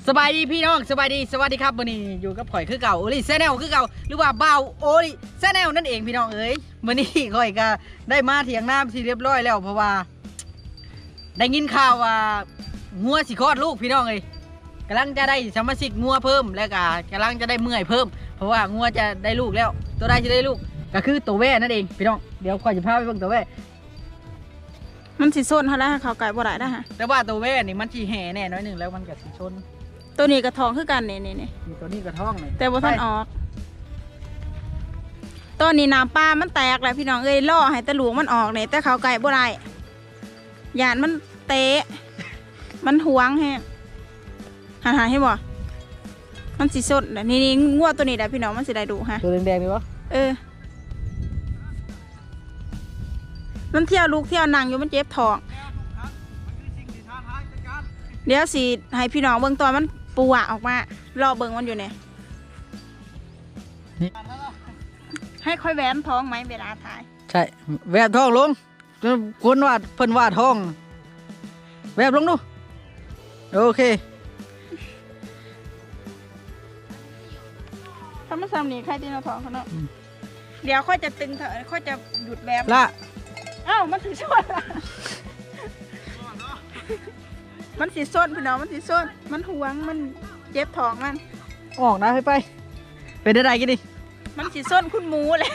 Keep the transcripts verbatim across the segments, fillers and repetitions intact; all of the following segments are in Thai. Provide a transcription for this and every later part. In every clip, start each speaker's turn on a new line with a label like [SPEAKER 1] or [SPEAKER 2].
[SPEAKER 1] สบายดีพี่น้องสบายดีสวัสดีครับวันนี้อยู่กับข่อยคือเก่าโอลิแซนแนลคือเก่าหรือว่าบ่าวโอลิแซนแนลนั่นเองพี่น้องเอ้ยวันนี้ข่อยก็ได้มาเถียงน้ำที่เรียบร้อยแล้วเพราะว่าได้ยินข่าวว่างัวสิคลอดลูกพี่น้องเอ้ยกำลังจะได้สมาชิกงัวเพิ่มแล้วก็กำลังจะได้เมื่อยเพิ่มเพราะว่างัวจะได้ลูกแล้วตัวได้จะได้ลูกก็คือตัวแว่นั่นเองพี่น้องเดี๋ยวข่อยจะพาไปเบิ่งตัวแว่
[SPEAKER 2] มันสิส้นเขาแล้วเขาไก่บ่ได้นะฮะ
[SPEAKER 1] แต่ว่าตัวแว่นี่มันสีแห่แน่น้อยหนึ่งแล้วมันก็สีชน
[SPEAKER 2] ตัวนี้กระทองคือกันนี่นี่นี่
[SPEAKER 1] ตัวนี้กระท้องเลย
[SPEAKER 2] แต่บ่ทันออกตัวนี้น้ำปลามันแตกแล้วพี่น้องเอ้ยล่อให้ตะหลวงมันออกเนี่ยแต่เขาไก่บ่ได้หยาดมันเตะมันหวงแฮะหาหาให้บ่มันสิส้นนี่นี่งัวตัวนี้ได้พี่น้องมันสิได้ดูฮะ
[SPEAKER 1] ตัวแดงๆนี่วะ
[SPEAKER 2] เออมันเที่ยวลูกเที่ยวนั่งอยู่มันเจ็บท้องเดี๋ยวสิให้พี่น้องเบิ่งตอนมันปูอะออกมารอเบิ่งมันอยู่เนี่ยให้ค่อยแหวนท้องไหมเวลาถ่าย
[SPEAKER 1] ใช่แวบท้องลงคนวาดเพิ่นวาดท้องแวบลงดูโอเค
[SPEAKER 2] ถ้ามันซ้ำนี่ใครตีนท้องเขาเนาะเดี๋ยวค่อยจะตึงเถอะค่อยจะหยุดแบบ
[SPEAKER 1] ละ
[SPEAKER 2] อ้าวมันสีส้นมันสีส้นพี่น้องมันสีส้นมันหวงมันเจ็บท้องมัน
[SPEAKER 1] ออกนะให้ไปเป็นได้กี่ดิ
[SPEAKER 2] มันสีส้นคุณหมูเลย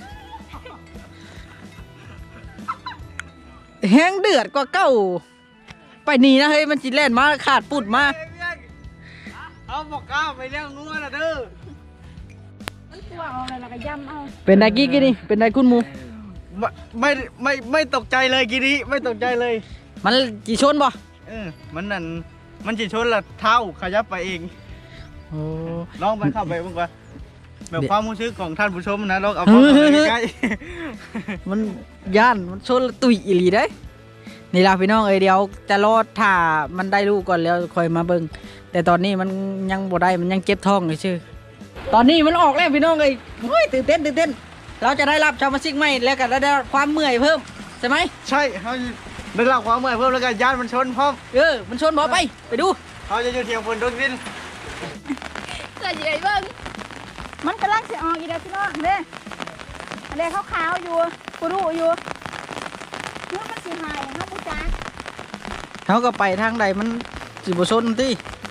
[SPEAKER 1] แห้งเดือดกว่าเก้าไปนี่นะเฮ้ยมันจีแล่นมาขาดปุดมา
[SPEAKER 3] เอาบอกก้าวไปเลี้ยงงัวนะเด้อ
[SPEAKER 2] มันตัวเอาอะไรล่ะก็ย่ำเอา
[SPEAKER 1] เป็นได้กี่กี่ดิเป็นได้คุณหมู
[SPEAKER 3] ไม่ไม่ไม่ตกใจเลยกีนี้ไม่ตกใจเลย
[SPEAKER 1] มันจีชนบ่
[SPEAKER 3] เออมันนั่นมันจีชนละเท้าขยับไปเอง
[SPEAKER 1] โอ้
[SPEAKER 3] ลองไปเข้าไปบ้างว่าแบบความรู้สึกของท่านผู้ชมนะลองเอาเข้าไปใกล้
[SPEAKER 1] มันย่านมันชนตุยอีหลีได้นี่ล่ะพี่น้องเอ้ยเดี๋ยวจะรอดถ้ามันได้ลูกก่อนแล้วค่อยมาเบิ่งแต่ตอนนี้มันยังบ่ได้มันยังเจ็บท้องเลยชื่อตอนนี้มันออกแล้วพี่น้องเอ้ยโอ้ยตื่นเต้นตื่นเต้นเราจะได้รับชาวมาซิกใหม่แล้วก็ได้ความเมื่อยเพิ่มใช่ไหม
[SPEAKER 3] ใช่เขาได้รับความเมื่อยเพิ่มแล้วก็ย่านมันชนพร้อม
[SPEAKER 1] เออมันชนบ่ไปไปดู
[SPEAKER 3] เขาจะอยู่เทียงฝนโดนดิน
[SPEAKER 2] เกิดยังไงบ้างมันกำลังจะออกอีเดียวพี่น้องเด้เด้ขาวๆอยู่กูรู้อยู่เมื่อมันสีหายเขาปูจ้า
[SPEAKER 1] เขาก็ไปทางใดมันสิบ่ชนติ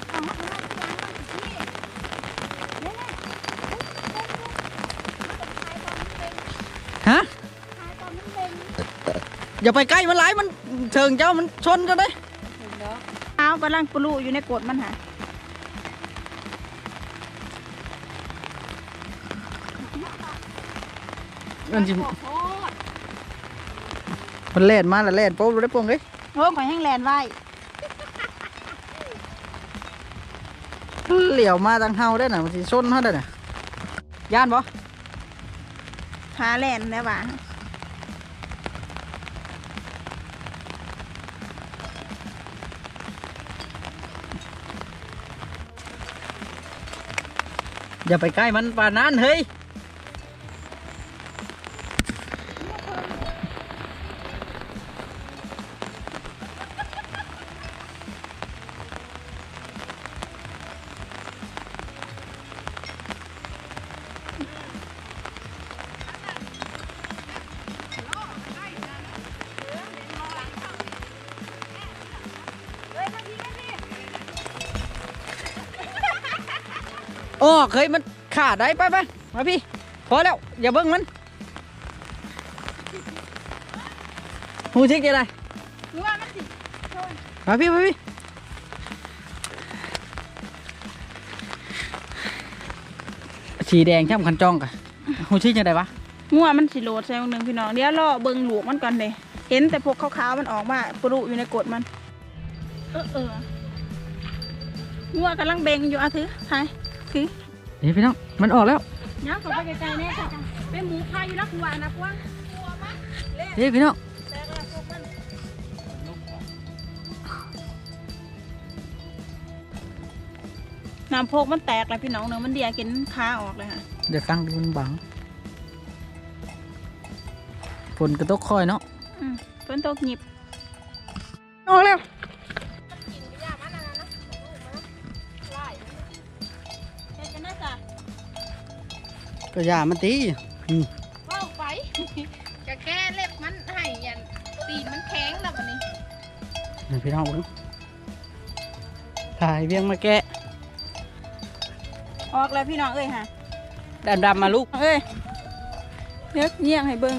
[SPEAKER 1] ฮะอย่าไปใกล้มันหลายมันเชิงเจ้ามันชนกันเลย
[SPEAKER 2] เท้ากำลังปลุอยู่ในกดมันหา
[SPEAKER 1] มันจิมันเล่นมาแล้วเล่นโป๊บได้ปวงเลย
[SPEAKER 2] โอ้ข่อยแห้งแลนไว้
[SPEAKER 1] เหลี่ยวมาทางเฮาได้น่ะมันสิชนเฮาได้น่ะย่านบ่
[SPEAKER 2] พาแลนแล้วว่ะ
[SPEAKER 1] อย่าไปใกล้มันป่านนั้นเฮ้ยโอ้เคยมันขาดได้ไปไปมาพี่พอแล้วอย่าเบิ้งมันหูชิกยังไงมาพี่มาพี่สีแดงช่ำคันจ้องกะหูชิกยังไงวะ
[SPEAKER 2] งัวมันสิโหลดใส่หนึ่งพี่น้องเดี๋ยวรอเบิ้งหลวกมันก่อนเลยเห็นแต่พวกขาวๆมันออกมาปลุอยู่ในกดมันเออเอองัวกำลังเบ่งอยู่อ่ะถือถ่ายถือ
[SPEAKER 1] เดี๋ยวพี่น้องมันออกแล้ว
[SPEAKER 2] ย้ำเข้าไปไกลๆแน่ค่ะเป็นหมูพาอยู่นักวัวนะกว้าง
[SPEAKER 1] เดี๋ยวพี่น้อง
[SPEAKER 2] น้ำโพกมันแตกเลยพี่น้องเนื้อมันเดียกินขาออกเลยค่ะ
[SPEAKER 1] เดี๋ยวตั้งดูมันบังฝนกระตกคอยเนาะ
[SPEAKER 2] ฝนตกหยิบ
[SPEAKER 1] ออกแล้ว
[SPEAKER 2] ล
[SPEAKER 1] ก็อย่ามันตีอืม
[SPEAKER 2] ว่าวไปกะแก้เล็บมันให้ยันตีนมันแข็งแล้ววันนี้
[SPEAKER 1] นี่พี่น้องเบิ่งถ่ายเวียงมาแกะ
[SPEAKER 2] ออกแล้วพี่น้องเอ้ยฮะ
[SPEAKER 1] ดำๆมาลูก
[SPEAKER 2] เอ้ยเลือกเยี่ยงให้เบิ่ง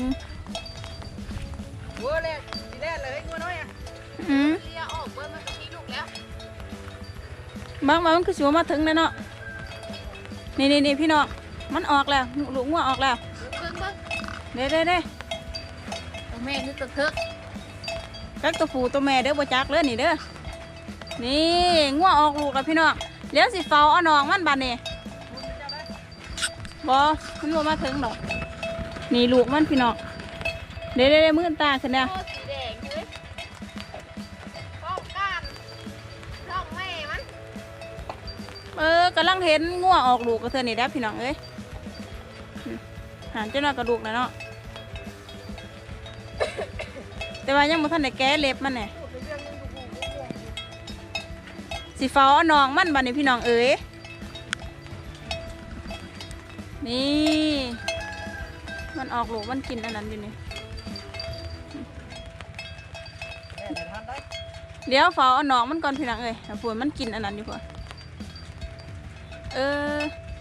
[SPEAKER 1] งัวแรกทีแรกเลยงัวน้อยอ่ะ
[SPEAKER 2] อืม
[SPEAKER 1] เลียออกเบิ่งมันก็มีลูกแล้ว
[SPEAKER 2] บางวันมันคือสิวมาถึงแล้วเนาะนี่นี่นี่พี่น้องมันออกแล้วลูกงัวออกแล้ว
[SPEAKER 4] เบิ่งเบิ่ง
[SPEAKER 2] เด้เด้เด้
[SPEAKER 4] ตัวแม่คือตัวเทิก
[SPEAKER 2] กักตัวผู้ตัวแม่เด้อบ่จักเลยนี่เด้อนี่งัวออกลูกแล้วพี่น้องเลี้ยวสิเฝ้าเอาน้องมันบัดนี้บ่มันบ่มาถึงดอกนี่ลูกมันพี่น้องเด้เด้เด้มือตาขึ้นแล้ว
[SPEAKER 4] โอ้สีแดงเลยป้องกันท้องแม่มัน
[SPEAKER 2] เออกำลังเห็นงัวออกลูกกับเธอนี่ได้อพี่น้องเอ้ยอืมหันเจ้าหน้ากระดูกนะเนาะ แต่ว่ายังบ่ทันได้แก้เล็บมันเนี่ยสีฟ้าเอาน้องมันบัดนี้พี่น้องเอ้ยนี่มันออกลูกมันกินอันนั้นอยู่นี่เดี๋ยวฟ้าเอาน้องมันก่อนพี่น้องเอ้ยเอาปวดมันกินอันนั้นอยู่ก่อนเออ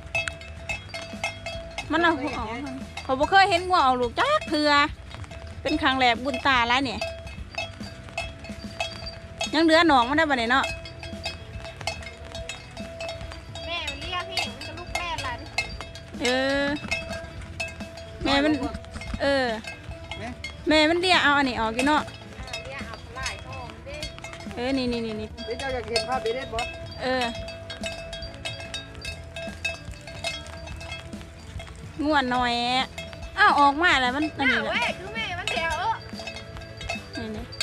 [SPEAKER 2] มันเอาหัวออกเขาบ่เคยเห็นหัวออกลูกจักเถื่อเป็นครั้งแรกบุญตาแล้วเนี่ยยังเหลือหนองมันได้บ่เนี่ยเนาะ
[SPEAKER 4] แม่มันเรียกพี่มันก็ลูกแม่ล่ะ
[SPEAKER 2] เออ แม่มัน เออ แม่มันเรียกเอาอันนี้ออกกินเนาะ
[SPEAKER 4] เรียกเอาหลายท้องเด้
[SPEAKER 2] เออ นี่นี่นี่นี่
[SPEAKER 1] เดี๋ยวเจ้าอยากเห็นภาพเบเด็ดบ่
[SPEAKER 2] เออ ง่วนหน่อยอ้าวออกมาแล้วมันอัน
[SPEAKER 4] หน้า
[SPEAKER 2] นี้แหละ
[SPEAKER 4] เว้ยคือแม่มันแถวเออ
[SPEAKER 2] นี่นี่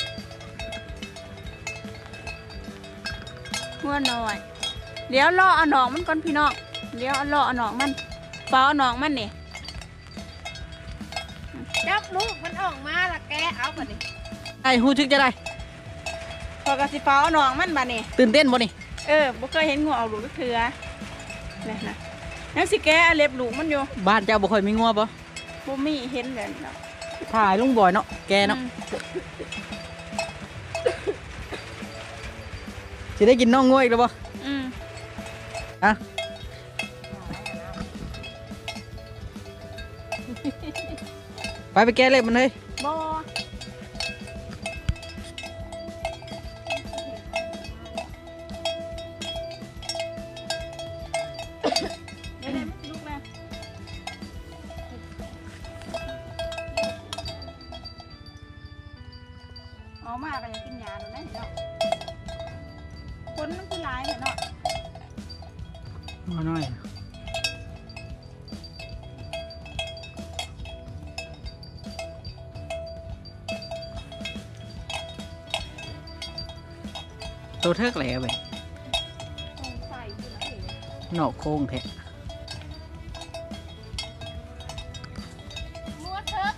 [SPEAKER 2] ง่วนหน่อย เดี๋ยวรอเอาหนองมันก่อนพี่น้อง เดี๋ยวรอเอาหนองมันฟ้าเอาหนองมันนี่
[SPEAKER 4] จับลูกมันออกมาละแกเอาก่อนดิ
[SPEAKER 1] ไอ้ฮู้ทึกจะได้
[SPEAKER 2] พอกระสิฟ้าเอาหนองมันบานี่
[SPEAKER 1] ตื่นเต้นบ่นี่
[SPEAKER 2] เออบ่เคยเห็นงูเอาลูกก็คือนี่นะยังสิแกะเล็บลูกมันอยู่
[SPEAKER 1] บ้านเจ้าบ่ค่อยมีงัวบ่
[SPEAKER 2] บ่มีเห็นแบบนี้เนาะ
[SPEAKER 1] ถ่ายลุงบอยเนาะแกเนาะ
[SPEAKER 2] อืม
[SPEAKER 1] สิได้กินน้องงัวอีกแล้วบ่
[SPEAKER 2] อืม
[SPEAKER 1] อะไปไปแก้เล็บมันเลย
[SPEAKER 2] บ่เดี๋ยวๆมันลุกแล้วออกมาก็อยากกินยาดูนะเนาะคนมันคือหลายเนาะ
[SPEAKER 1] งัวน้อยโตเทิกแหล่เว้ย
[SPEAKER 2] ใส่อยู่นะ
[SPEAKER 1] นอกโค้งแท้
[SPEAKER 4] มัวเทิก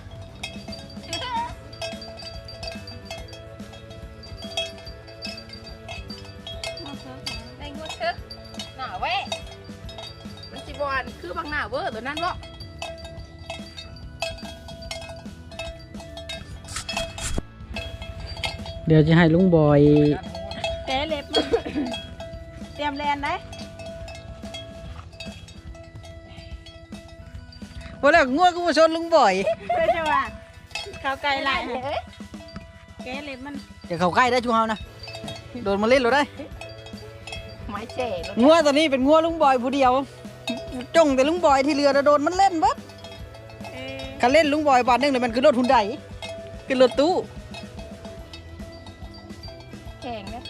[SPEAKER 4] ในงูเทิกหน้าเว้ยมันสิบอนคือบางหน้าเวอร์ตัวนั้นบ่
[SPEAKER 1] เดี๋ยวจะให้ลุงบอย
[SPEAKER 2] แกะเล็บมัน เตรียมแลนได้
[SPEAKER 1] ว่าแล้วงัวก็มาชนลุงบอย
[SPEAKER 2] เพื่อจะว่าเขาไกลไล่ให้แกะเล็บมัน
[SPEAKER 1] อย่าเข้าใกล้ได้ชูเฮานะโดนมาเล่นเราได้
[SPEAKER 4] ไม้เจ๋แล้ว
[SPEAKER 1] งัวตัวนี้เป็นงัวลุงบอยผู้เดียวจงแต่ลุงบอยที่เรือโดนมันเล่นเบัด
[SPEAKER 2] เออ
[SPEAKER 1] คันเล่นลุงบอยบาทหนึงเลยมันคือรถหุ่นใดคือรถตู้
[SPEAKER 4] แข็งนะ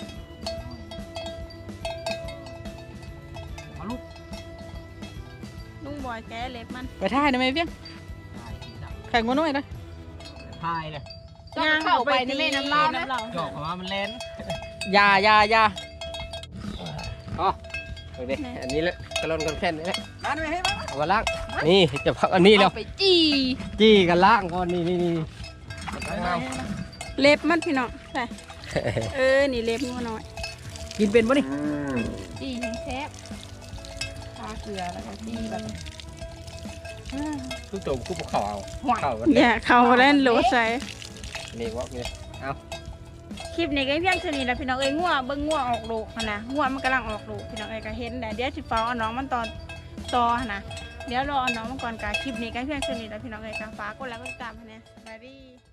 [SPEAKER 2] ลุงบอยแกะเล็บมัน
[SPEAKER 1] ไปท่ายได้ไหมเพียงแข่งงัวน้อยนะ
[SPEAKER 3] พายเลย
[SPEAKER 4] ย่างเข้าไปในแม่น้ำลาวนะ
[SPEAKER 2] น้ำเหล้า
[SPEAKER 3] จอกออกมามันเล่น
[SPEAKER 1] อยาอยาอยา
[SPEAKER 5] อ๋อโอเคอันนี้แหละกระลอนกันแค่นี้แหละ
[SPEAKER 1] มาได้ไหมให้มา
[SPEAKER 5] เอามาล้างนี่จะพักอันนี้แล้ว
[SPEAKER 4] เอาไปจี้
[SPEAKER 5] จี้กันล้างก่อนนี่นี่นี่
[SPEAKER 2] เล็บมันพี่น้องใช่เออนี่เล็บงัวน้อย
[SPEAKER 1] กินเป็นปะนี่
[SPEAKER 4] จี้แซ่บทาเกลือแล้วก็จี้แบบ
[SPEAKER 5] ทุกตัวกูบอกเขาเอา
[SPEAKER 1] ห่วย
[SPEAKER 5] เขากัน
[SPEAKER 2] อย่าเข้าเล่นโหลดใส่
[SPEAKER 5] นี่วะนี่เอา
[SPEAKER 2] คลิปนี้ก็เพียงเท่านี้แหละพี่น้องเอ้ยงัวเบิ่งงัวออกลูกหั่นนะงัวมันกำลังออกลูกพี่น้องเอ้ยก็เห็นแต่เดี๋ยวสิเฝ้าเอาน้องมันตอนต่อหั่นนะเดี๋ยวรอเอาน้องมันก่อนกะคลิปนี้ก็เพียงเท่านี้แหละพี่น้องเอ้ยก็ฝากกดไลค์กดติดตามให้แหน่สบายดี